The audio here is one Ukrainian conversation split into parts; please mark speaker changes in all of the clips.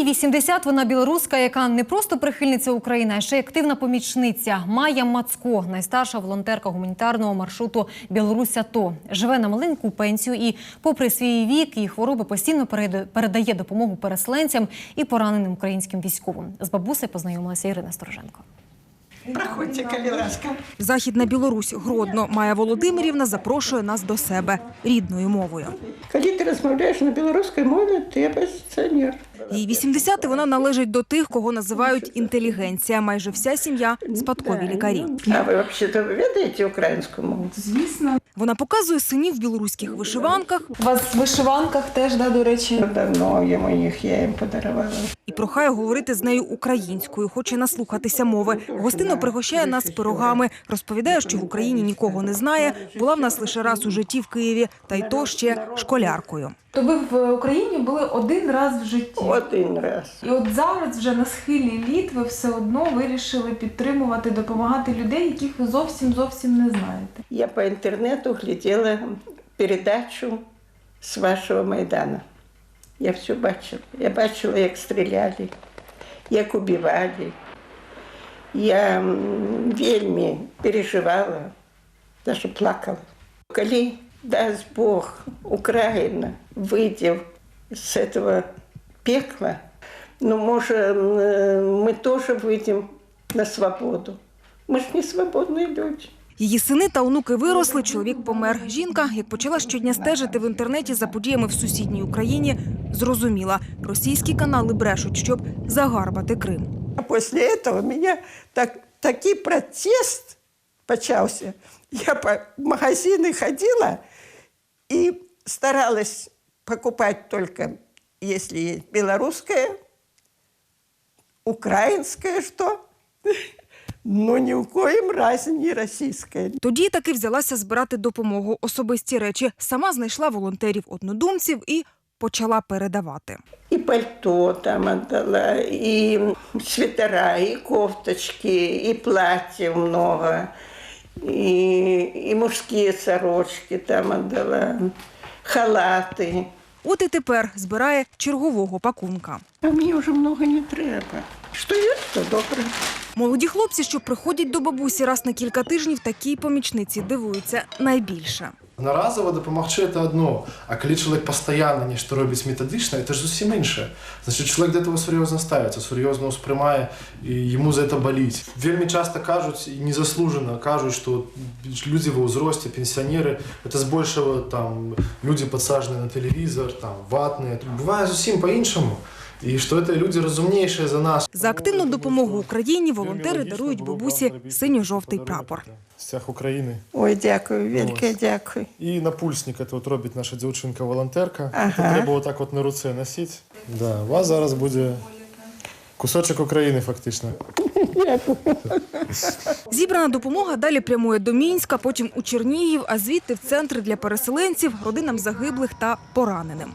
Speaker 1: Їй 80, вона білоруска, яка не просто прихильниця України, а ще й активна помічниця. Майя Мацко, найстарша волонтерка гуманітарного маршруту «Білорусь-АТО». Живе на маленьку пенсію і, попри свій вік і хвороби, постійно передає допомогу переселенцям і пораненим українським військовим. З бабусею познайомилася Ірина Стороженко.
Speaker 2: Проходьте, коли ласка.
Speaker 3: Західна Білорусь, Гродно. Майя Володимирівна запрошує нас до себе рідною мовою.
Speaker 2: Коли ти розмовляєш на білоруській мові, ти опозиціонер.
Speaker 3: Їй 80, вона належить до тих, кого називають інтелігенція. Майже вся сім'я – спадкові лікарі.
Speaker 2: А ви взагалі відаєте українську мову?
Speaker 4: Звісно.
Speaker 3: Вона показує синів в білоруських вишиванках
Speaker 4: У вас в вишиванках теж, до речі.
Speaker 2: Давно йому їх, я їм подарувала.
Speaker 3: і прохає говорити з нею українською, хоче наслухатися мови. Гостинно пригощає нас пирогами. Розповідає, що в Україні нікого не знає. Була в нас лише раз у житті в Києві, та й то ще школяркою.
Speaker 4: То ви в Україні були один раз в житті.
Speaker 2: Один раз.
Speaker 4: І от зараз вже на схилі літ ви все одно вирішили підтримувати, допомагати людей, яких ви зовсім не знаєте.
Speaker 2: Я по інтернету глядела передачу з вашого Майдану. Я все бачила. Я бачила, як стріляли, як убивали. Я вельми переживала, даже плакала. Коли, дасть Бог, Україна вийде з цього пекла, ну, може, ми теж вийдемо на свободу. Ми ж не свободні люди.
Speaker 3: Її сини та онуки виросли, чоловік помер. Жінка, як почала щодня стежити в інтернеті за подіями в сусідній Україні, зрозуміла – російські канали брешуть, щоб загарбати Крим.
Speaker 2: А після цього у мене такий протест почався. Я по магазинам ходила і старалась покупати тільки, якщо є білоруське, українське, що, но ні в коїм разі не російське.
Speaker 3: Тоді таки взялася збирати допомогу, особисті речі. Сама знайшла волонтерів-однодумців і почала передавати.
Speaker 2: І пальто там отдала, і свитера, і кофточки, і платьев много, і мужські сорочки там отдала, халати.
Speaker 3: От і тепер збирає чергового пакунка.
Speaker 2: А мені вже много не треба. Що є, то добре.
Speaker 3: Молоді хлопці, що приходять до бабусі раз на кілька тижнів, такій помічниці дивуються найбільше.
Speaker 5: Одноразово допомогти – це одно, а коли чоловік постійно нечто робить методично, це ж зовсім інше. Значить, чоловік до цього серйозно ставиться, серйозно сприймає, і йому за це болить. Вельми часто кажуть, і незаслужено кажуть, що люди в возрасте, пенсіонери, це збільшого там люди підсаджені на телевізор, там ватні. Буває зовсім по-іншому. І що це люди розумніші за нас.
Speaker 3: За активну допомогу Україні волонтери дарують бабусі синьо-жовтий прапор.
Speaker 5: Стяг України.
Speaker 2: Ой, дякую, велике дякую.
Speaker 5: І напульсник це от робить наша дівчинка-волонтерка.
Speaker 2: Ага.
Speaker 5: Це треба отак от на руці носити. Да, у вас зараз буде кусочок України фактично.
Speaker 3: Зібрана допомога далі прямує до Мінська, потім у Чернігів, а звідти в центри для переселенців, родинам загиблих та пораненим.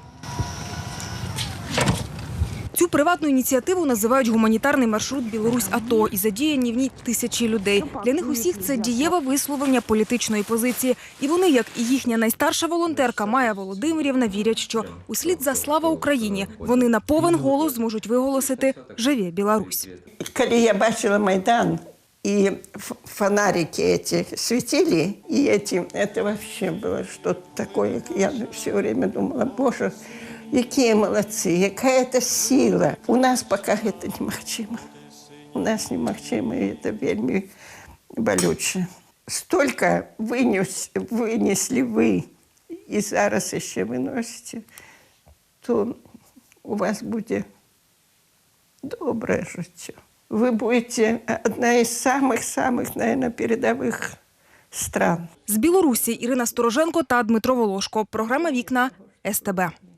Speaker 3: Цю приватну ініціативу називають гуманітарний маршрут «Білорусь-АТО» і задіяні в ній тисячі людей. Для них усіх це дієве висловлення політичної позиції. І вони, як і їхня найстарша волонтерка Майя Володимирівна, вірять, що услід за «Слава Україні» вони на повен голос зможуть виголосити «Живе Білорусь».
Speaker 2: Коли я бачила Майдан, и фонарики эти светили, и это вообще было что-то такое. Я все время думала, Боже, какие молодцы, какая-то сила. У нас пока это немагчимо. У нас немагчимо, и это вельми болюче. Столько вынесли вы, и зараз еще выносите, то у вас будет доброе життя. Вы будете одна из самых, наверное, передовых стран.
Speaker 3: З Білорусі Ірина Стороженко та Дмитро Волошко. Програма «Вікна» СТБ.